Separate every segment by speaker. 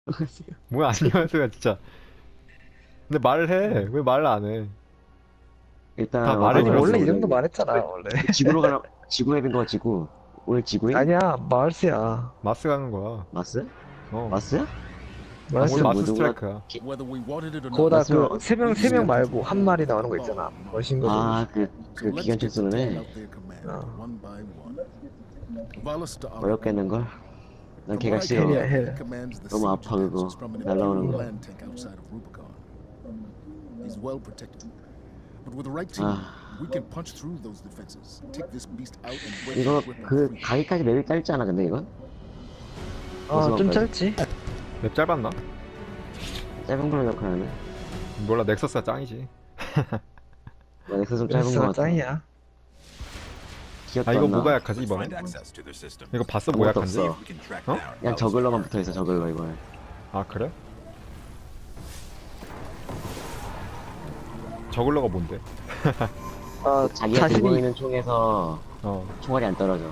Speaker 1: 뭐야 안녕하세요 진짜. 근데 말을 해. 왜 말을 안 해? 다
Speaker 2: 일단
Speaker 1: 말을
Speaker 2: 어떤
Speaker 3: 아니
Speaker 2: 걸
Speaker 3: 원래
Speaker 2: 했어
Speaker 3: 이
Speaker 1: 들었어.
Speaker 3: 정도
Speaker 2: 오늘?
Speaker 3: 말했잖아 원래.
Speaker 2: 지구로 가나? 지구 앱인 거야 지구? 오늘 지구인?
Speaker 3: 아니야 마을스야.
Speaker 1: 마스 가는 거야.
Speaker 2: 마스?
Speaker 1: 어.
Speaker 2: 마스야?
Speaker 1: 오늘
Speaker 3: 마을스.
Speaker 2: 마스는
Speaker 1: 마스
Speaker 2: 뭐 누가?
Speaker 1: 스트라이크야.
Speaker 3: 거기다
Speaker 2: 마스는
Speaker 3: 그 세 명
Speaker 2: 어디서?
Speaker 3: 말고 한 마리 나오는 거 있잖아. 멋진 거.
Speaker 2: 아그 기관총 쓰는 애
Speaker 3: 어.
Speaker 2: 어렵겠는 걸? 난 걔가 싫어.
Speaker 3: 헬이야 헬.
Speaker 2: 너무 아파 그거 날라오는 거. 아 이거 그 가기까지 맵이 짧지 않아 근데 이건?
Speaker 3: 어좀 짧지.
Speaker 1: 맵 짧았나?
Speaker 2: 짧은 걸로 기억하는데?
Speaker 1: 몰라 넥서스가 짱이지.
Speaker 2: 넥서 좀 짧은 거
Speaker 3: 그래서
Speaker 2: 같아.
Speaker 3: 짱이야.
Speaker 2: 기억도
Speaker 1: 아 이거
Speaker 2: 안 나.
Speaker 1: 뭐가 약하지 이번에? 이거 봤어 뭐
Speaker 2: 아무것도
Speaker 1: 약한지?
Speaker 2: 없어.
Speaker 1: 어?
Speaker 2: 그냥 저글러만 붙어있어 저글러 이번에.
Speaker 1: 아 그래? 저글러가 뭔데?
Speaker 3: 어
Speaker 2: 자기가 들고
Speaker 3: 자신이
Speaker 2: 있는 총에서
Speaker 1: 어.
Speaker 2: 총알이 안 떨어져.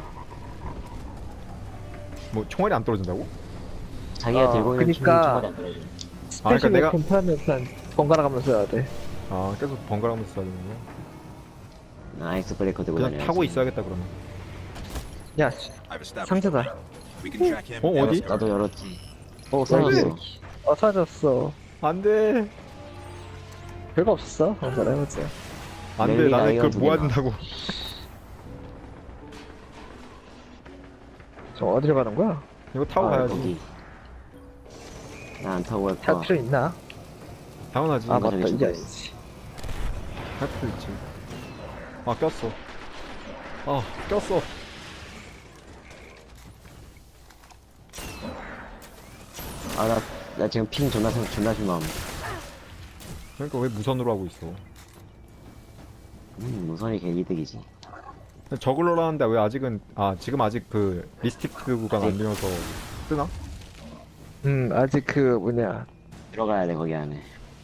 Speaker 1: 뭐 총알이 안 떨어진다고?
Speaker 2: 자기가 들고 있는
Speaker 3: 그니까
Speaker 2: 총알이 안 떨어져.
Speaker 1: 아, 그러니까
Speaker 3: 스페셜
Speaker 1: 내가-
Speaker 3: 웨폰 타면서 번갈아 가면서 해야 돼.
Speaker 1: 아 계속 번갈아가면서 써야 되는 거야?
Speaker 2: 아이스 브레이커 들고
Speaker 1: 그냥
Speaker 2: 다녀야지.
Speaker 1: 타고 있어야겠다 그러면.
Speaker 3: 야 상자다.
Speaker 1: 어 어디?
Speaker 2: 나도 열었지. 사라졌어.
Speaker 3: 사라졌어.
Speaker 1: 안돼.
Speaker 3: 별거 없었어. 번갈아 해보자.
Speaker 1: 안돼
Speaker 2: 랠리
Speaker 1: 나는
Speaker 2: 라이언
Speaker 1: 그걸
Speaker 2: 두
Speaker 1: 모아야
Speaker 2: 개나.
Speaker 1: 된다고.
Speaker 3: 저 어디로 가는 거야?
Speaker 1: 이거 타고 가야지.
Speaker 2: 거기. 나 안 타고 갈
Speaker 3: 탈
Speaker 2: 거야.
Speaker 3: 필요 있나?
Speaker 1: 당연하지.
Speaker 3: 아
Speaker 2: 맞아.
Speaker 3: 맞다
Speaker 2: 저기
Speaker 3: 이게
Speaker 2: 있어.
Speaker 3: 아니지.
Speaker 1: 할 필요 있지. 아 꼈어. 아 꼈어.
Speaker 2: 나 지금 핑 존나 심함.
Speaker 1: 그러니까 왜 무선으로 하고 있어?
Speaker 2: 무선이 개 이득이지.
Speaker 1: 저글러라는데 왜 아직은 지금 아직 그 리스틱트 구간 안 되어서 뜨나?
Speaker 3: 아직 그 뭐냐.
Speaker 2: 들어가야 돼 거기 안에.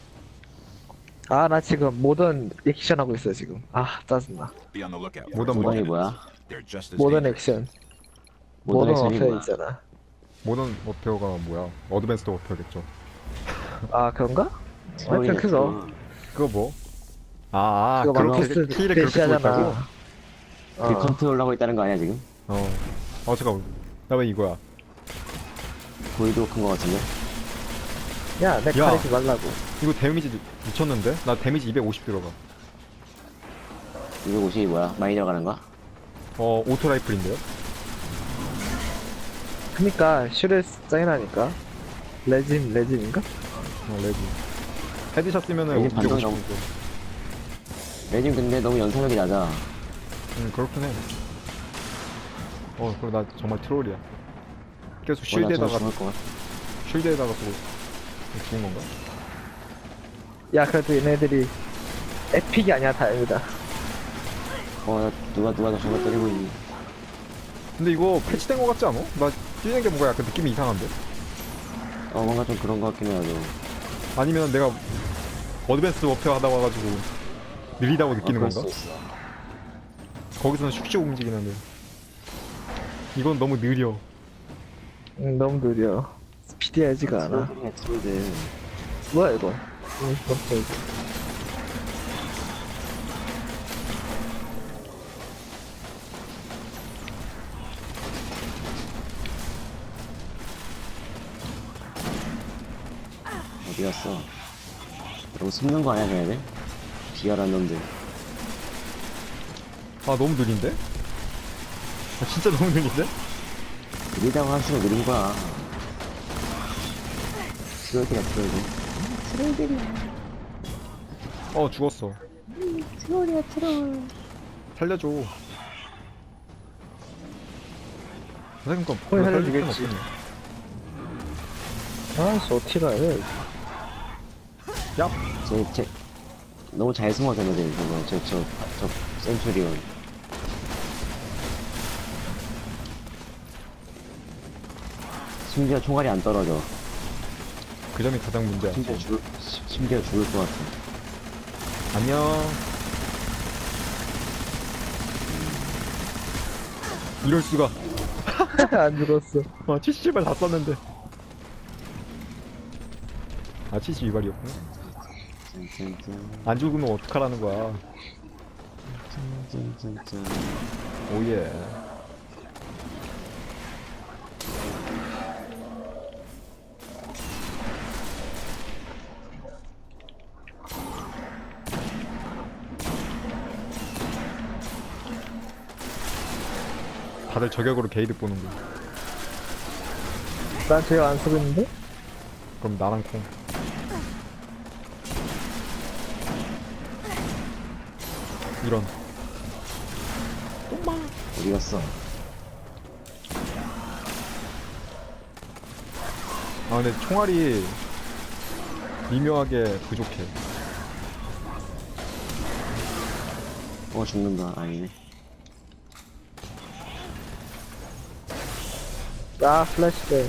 Speaker 3: 아 나 지금 모던 액션 하고 있어 지금. 아 짜증나.
Speaker 1: 모던
Speaker 2: 무선이 뭐야?
Speaker 3: 모던 액션. 모던
Speaker 2: 액션이
Speaker 3: 어페어
Speaker 2: 뭐야?
Speaker 3: 있잖아.
Speaker 1: 모던 워페어가 뭐야? 어드밴스드 워페어겠죠.
Speaker 3: 아 그런가?
Speaker 2: 트롤이네,
Speaker 3: 하여튼 그거.
Speaker 2: 트롤.
Speaker 1: 그거 뭐?
Speaker 3: 그거
Speaker 1: 그렇게
Speaker 3: 마커스
Speaker 1: 키를 그렇게 쓰고 있다고?
Speaker 3: 대시하잖아.
Speaker 2: 그 컨트롤 하고 있다는 거 아니야 지금?
Speaker 1: 잠깐만. 나 왜 이거야?
Speaker 2: 보이도 큰 거 같은데?
Speaker 3: 야, 내
Speaker 1: 야.
Speaker 3: 가리지 말라고.
Speaker 1: 이거 데미지 미쳤는데? 나 데미지 250 들어가.
Speaker 2: 250이 뭐야? 많이 들어가는 거야?
Speaker 1: 오토 라이플인데요?
Speaker 3: 그니까, 슈레스 짱이라니까. 레짐인가?
Speaker 1: 레지. 헤드샷 쓰면은
Speaker 2: 레지 반동
Speaker 1: 250.
Speaker 2: 레진 근데 너무 연사력이 낮아.
Speaker 1: 그렇긴 해. 그럼 나 정말 트롤이야. 계속
Speaker 2: 나
Speaker 1: 쉴드에다가,
Speaker 2: 죽을 것 같아.
Speaker 1: 쉴드에다가 쓰고 죽은 건가?
Speaker 3: 야, 그래도 얘네들이 에픽이 아니야, 다행이다.
Speaker 2: 누가 저 저거 때리고 있니?
Speaker 1: 근데 이거 패치된 거 같지 않아? 나 뛰는 게 뭔가 약간 느낌이 이상한데?
Speaker 2: 뭔가 좀 그런 거 같긴 해요.
Speaker 1: 아니면 내가 어드밴스 워페어 하다 와가지고 느리다고 느끼는
Speaker 2: 그럴
Speaker 1: 건가?
Speaker 2: 수 있어.
Speaker 1: 거기서는 슉슉 움직이는데 이건 너무 느려.
Speaker 3: 너무 느려. 스피디하지가 않아.
Speaker 2: 트롤들.
Speaker 3: 뭐야, 이거? 깜짝이야.
Speaker 2: 어디 갔어? 너무 숨는 거 아니야, 걔네들? 비열한 놈들.
Speaker 1: 너무 느린데? 진짜 너무 느린데?
Speaker 2: 느리다고 할수록 느린 거야. 트롤들이야, 트롤들.
Speaker 1: 죽었어.
Speaker 2: 트롤이야, 트롤.
Speaker 1: 살려줘. 선생님
Speaker 3: 거의 살려주겠지. 아, 어티가 해.
Speaker 1: 야!
Speaker 2: 너무 잘 숨어, 걔네들. 저 센츄리온. 심지어 총알이 안 떨어져.
Speaker 1: 그 점이 가장 문제야.
Speaker 2: 심지어 죽을 것 같아.
Speaker 1: 안녕. 이럴 수가.
Speaker 3: 안 죽었어.
Speaker 1: 70발 다 썼는데. 아 CC 위발이었구나.
Speaker 2: 짠짠짠.
Speaker 1: 안 죽으면 어떡하라는 거야.
Speaker 2: 짠짠짠짠.
Speaker 1: 오예. 다들 저격으로 게이드 보는 거.
Speaker 3: 난 제가 안 쓰고 있는데?
Speaker 1: 그럼 나랑 콩. 이런.
Speaker 2: 어디 갔어?
Speaker 1: 아 근데 총알이 미묘하게 부족해.
Speaker 2: 죽는다. 아니네.
Speaker 3: 아, 플래시뱅.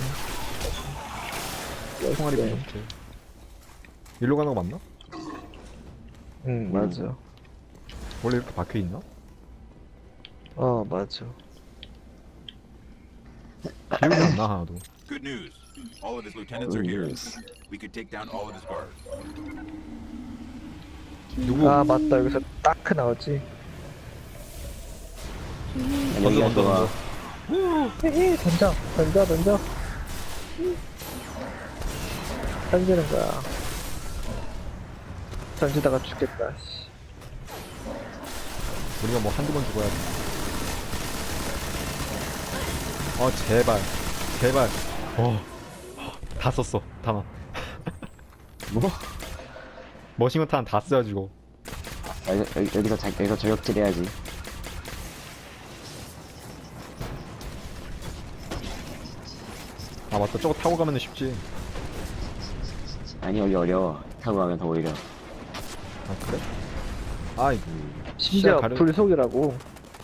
Speaker 1: 총알이 부족해. 일로 가는 거 맞나?
Speaker 3: 응, 맞아.
Speaker 1: 원래 이렇게 박혀 있나?
Speaker 3: 어, 맞아.
Speaker 1: 기억이 안 나 하나도.
Speaker 4: Good news. All of his lieutenants are here. We could take down all of his guards.
Speaker 1: 누구?
Speaker 3: 아, 맞다. 여기서 따크 나오지.
Speaker 1: 던져 던져 던져.
Speaker 3: 헤헤, 던져. 던지는 거야. 던지다가 죽겠다. 씨.
Speaker 1: 우리가 뭐 한두 번 죽어야 돼. 제발 제발. 다 썼어 다만.
Speaker 2: 뭐?
Speaker 1: 머신건탄 다 써가지고.
Speaker 2: 여기서 저격질 해야지.
Speaker 1: 아 맞다, 저거 타고 가면 쉽지.
Speaker 2: 아니, 여기 어려워. 타고 가면 더 오히려.
Speaker 1: 아 그래? 아이
Speaker 3: 심지어
Speaker 1: 시야 가려-
Speaker 3: 불속이라고.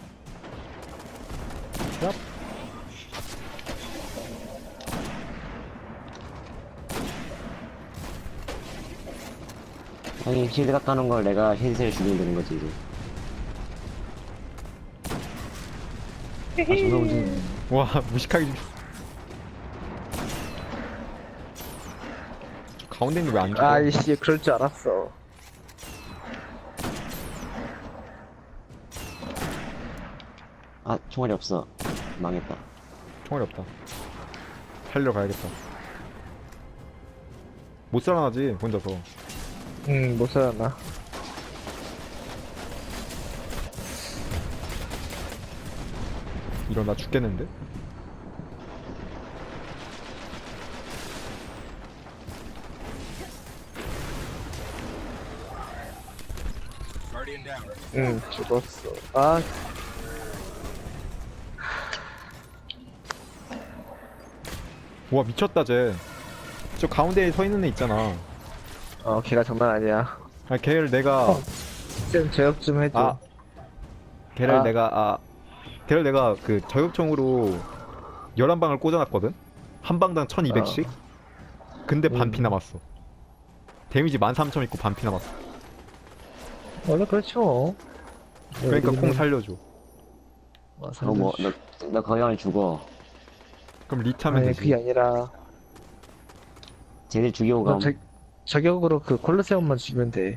Speaker 1: 얍.
Speaker 2: 아니, 쉴드 깎아놓은 걸 내가 힐세를 죽이면 되는 거지, 이제. 존나 움직이네.
Speaker 1: 와 무식하게 죽. 저 가운데 있는 왜 안 죽어?
Speaker 3: 아이씨, 그럴 줄 알았어.
Speaker 2: 총알이 없어. 망했다.
Speaker 1: 총알이 없다. 살리러 가야겠다. 못 살아나지 혼자서.
Speaker 3: 응, 못 살아나.
Speaker 1: 이런 나 죽겠는데?
Speaker 4: Guardian down.
Speaker 3: 응, 죽었어. 아,
Speaker 1: 와 미쳤다 쟤. 저 가운데에 서 있는 애 있잖아.
Speaker 3: 걔가 장난 아니야.
Speaker 1: 아 걔를 내가
Speaker 3: 쌤, 제업 좀 해줘.
Speaker 1: 걔를
Speaker 3: 아.
Speaker 1: 걔를 내가 그 저격총으로 11방을 꽂아놨거든? 한 방당 1200씩? 근데 반피 남았어. 데미지 13,000 있고 반피 남았어.
Speaker 3: 원래 그렇죠.
Speaker 1: 그러니까 콩 살려줘.
Speaker 2: 너 거기 하면 죽어.
Speaker 1: 그럼 리타면
Speaker 3: 아니,
Speaker 1: 되지.
Speaker 3: 그게 아니라,
Speaker 2: 쟤들 죽이고
Speaker 3: 너
Speaker 2: 가면.
Speaker 3: 저격으로 그 콜로세움만 죽이면 돼.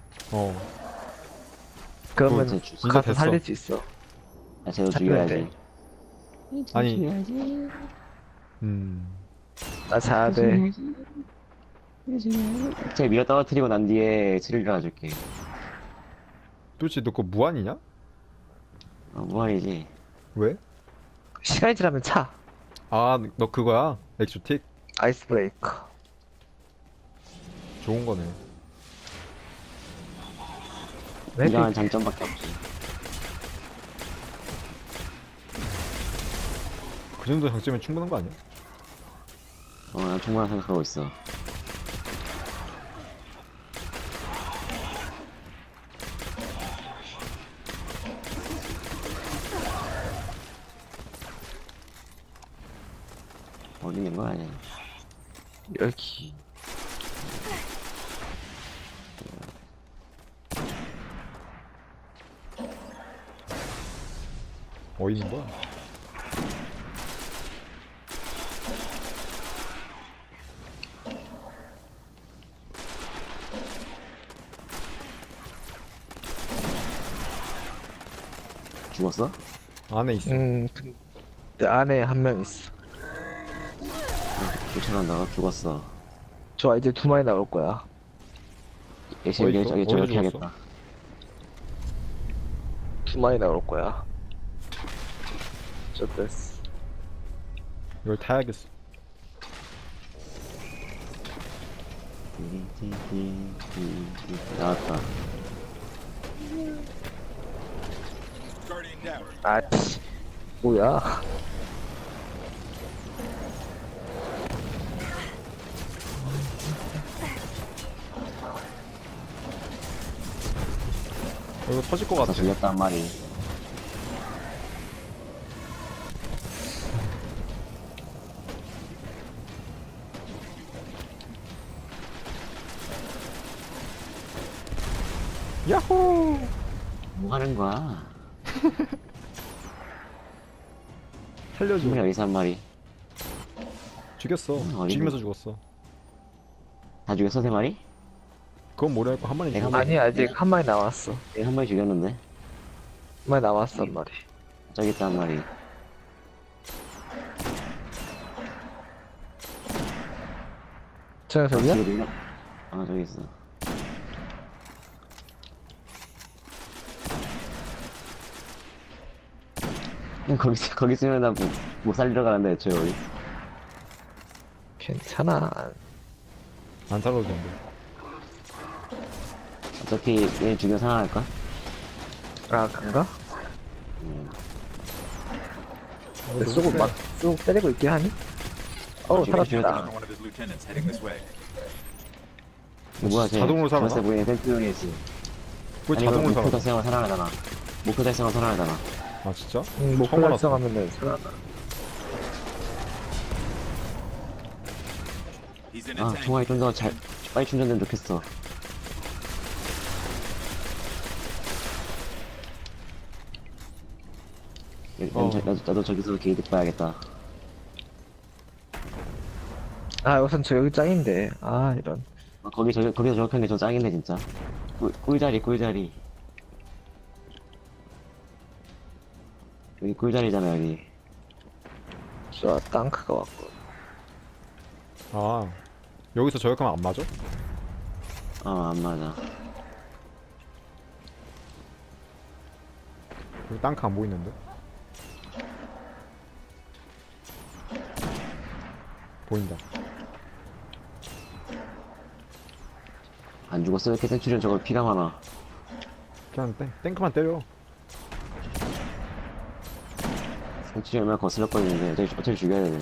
Speaker 3: 그러면
Speaker 2: 그거 진짜
Speaker 3: 가서
Speaker 1: 됐어.
Speaker 3: 살릴 수 있어.
Speaker 2: 쟤도
Speaker 3: 잡혀야
Speaker 2: 죽여야지.
Speaker 1: 아니
Speaker 3: 나 자야 돼.
Speaker 2: 쟤 밀어 떨어뜨리고 난 뒤에 스릴러 가줄게.
Speaker 1: 도대체 너 그거 무한이냐?
Speaker 2: 무한이지.
Speaker 1: 왜?
Speaker 3: 시간이 지나면 차.
Speaker 1: 아 너 그거야? 엑소틱?
Speaker 3: 아이스 브레이커.
Speaker 1: 좋은 거네.
Speaker 3: 왜
Speaker 2: 이러한 장점밖에 없지.
Speaker 1: 그 정도 장점이면 충분한 거 아니야?
Speaker 2: 난 충분한 생각하고 있어. 어디 있는 거 아니야?
Speaker 3: 여기.
Speaker 1: 어디 있는 거야?
Speaker 2: 죽었어?
Speaker 1: 안에 있어.
Speaker 3: 근데 안에 한 명 있어.
Speaker 2: 쫓아간다가 죽었어.
Speaker 3: 좋아, 이제 2마리 나올 거야.
Speaker 2: 역시
Speaker 1: 어디
Speaker 2: 여기
Speaker 1: 있어?
Speaker 2: 저기
Speaker 1: 어디
Speaker 2: 저렇게
Speaker 1: 죽었어?
Speaker 2: 하겠다.
Speaker 3: 2마리 나올 거야. 저 됐어.
Speaker 1: 이걸 타야겠어.
Speaker 2: 나왔다.
Speaker 4: Guardian down.
Speaker 3: 아치. 뭐야?
Speaker 1: 이거 터질 것
Speaker 2: 다
Speaker 1: 같아.
Speaker 2: 죽였다 한 마리.
Speaker 1: 야호!
Speaker 2: 뭐 하는 거야?
Speaker 1: 살려줘.
Speaker 2: 충분히 여기서 한 마리.
Speaker 1: 죽였어.
Speaker 2: 어디
Speaker 1: 죽이면서
Speaker 2: 있는-
Speaker 1: 죽었어.
Speaker 2: 다 죽였어 세 마리?
Speaker 1: 그건 모르겠고 한 마리
Speaker 2: 내가
Speaker 1: 죽였어.
Speaker 3: 아니, 아직 한 마리 남았어. 한
Speaker 2: 내가 한 마리 죽였는데.
Speaker 3: 마리 남았어, 한 마리.
Speaker 2: 저기 있다 한 마리.
Speaker 3: 저 녀석이야?
Speaker 2: 뒤로 밀어. 아 저기 있어. 그냥 거기 있으면 나 못 살리러 가는데 애초에 여기.
Speaker 3: 괜찮아.
Speaker 1: 안 살아도 된대.
Speaker 2: 어차피 얘 죽여 살아날까?
Speaker 3: 아, 그런가?
Speaker 1: 어,
Speaker 3: 쏘고 막, 쏘고 때리고 있긴 하니? 어우,
Speaker 2: 죽여,
Speaker 3: 살았다.
Speaker 4: One of his lieutenants heading this way.
Speaker 2: 뭐야 쟤
Speaker 1: 자동으로 살아나?
Speaker 2: 벌써 보이는 센트리온이지.
Speaker 1: 왜 자동으로
Speaker 2: 목표
Speaker 1: 살아?
Speaker 2: 달성하면 살아나잖아. 목표 달성하면 살아나잖아.
Speaker 1: 아 진짜?
Speaker 3: 목표
Speaker 1: 처음 알았어.
Speaker 3: 달성하면은 살아나.
Speaker 4: He's in a
Speaker 2: 아
Speaker 4: tank.
Speaker 2: 총알이 좀 더 빨리 충전되면 좋겠어. 나도 저기서 게이드 봐야겠다.
Speaker 3: 아, 우선 저 여기 짱인데. 아, 이런.
Speaker 2: 거기서 저렇게 하는 게 좀 짱이네 진짜. 꿀자리. 여기 꿀자리잖아 여기.
Speaker 3: 좋아, 땅크가 왔고.
Speaker 1: 아 여기서 저격하면 안 맞아?
Speaker 2: 안 맞아.
Speaker 1: 여기 땅크 안 보이는데? 보인다.
Speaker 2: 안 죽었어? 이렇게 센츄리온 저거 피가 많아.
Speaker 1: 그냥 탱크만 때려.
Speaker 2: 센츄리온 얼마나 거슬렸거리는데 어차피 죽여야 돼.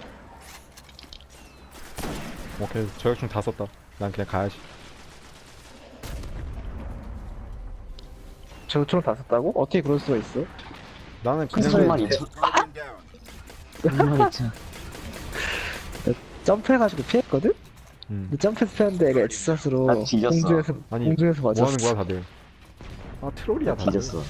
Speaker 1: 오케이 저격총 다 썼다. 난 그냥 가야지.
Speaker 3: 저 총을 다 썼다고? 어떻게 그럴 수가 있어?
Speaker 1: 나는
Speaker 2: 한
Speaker 1: 그냥
Speaker 2: 마리 쳐.
Speaker 4: Guardian down.
Speaker 2: 한 마리 쳐.
Speaker 3: 점프해가지고 피했거든?
Speaker 1: 음.
Speaker 3: 근데 점프해서 피했는데 얘가 엑스샷으로
Speaker 2: 나 뒤졌어.
Speaker 1: 아니
Speaker 3: 공중에서
Speaker 1: 뭐
Speaker 3: 맞았어.
Speaker 1: 하는 거야 다들? 아 트롤이야 다들.
Speaker 2: 뒤졌어.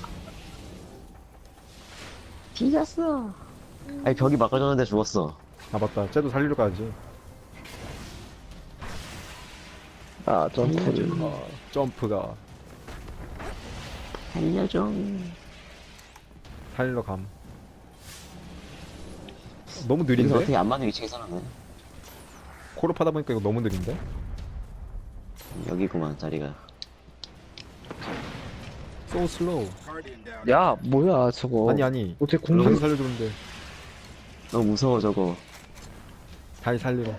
Speaker 2: 뒤졌어. 아니 벽이 막아줬는데 죽었어.
Speaker 1: 아 맞다. 쟤도 살리러 가야지.
Speaker 3: 아, 점프를.
Speaker 1: 점프가
Speaker 2: 살려줘.
Speaker 1: 살리러 감. 너무
Speaker 2: 여기서
Speaker 1: 느린데?
Speaker 2: 어떻게 안 맞는 위치에 살았네.
Speaker 1: 콜업 하다 보니까 이거 너무 느린데?
Speaker 2: 여기구만 자리가.
Speaker 1: So slow.
Speaker 4: Guardian down.
Speaker 3: 야, 뭐야, 저거.
Speaker 1: 아니
Speaker 3: 어떻게
Speaker 1: 다시
Speaker 3: 공중,
Speaker 1: 살려주는데
Speaker 2: 너무 무서워 저거.
Speaker 1: 다시 살리러.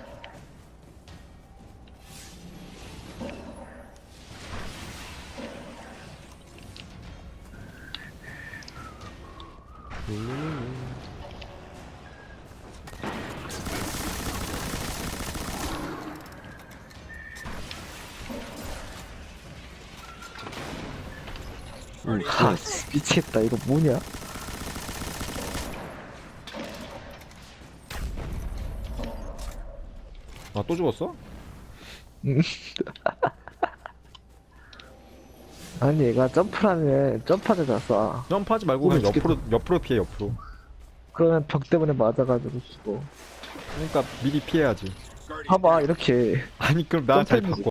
Speaker 2: 응.
Speaker 3: 아, 미치겠다. 이거 뭐냐?
Speaker 1: 아 또 죽었어?
Speaker 3: 아니, 얘가 점프하면 점프하자 쏴.
Speaker 1: 점프하지 말고 그냥
Speaker 3: 죽겠다.
Speaker 1: 옆으로 피해 옆으로.
Speaker 3: 그러면 벽 때문에 맞아가지고 죽어.
Speaker 1: 그러니까 미리 피해야지.
Speaker 4: Guardian
Speaker 3: 봐봐, 이렇게.
Speaker 1: 아니 그럼 나 잘
Speaker 3: 점프해야지.
Speaker 1: 바꿔.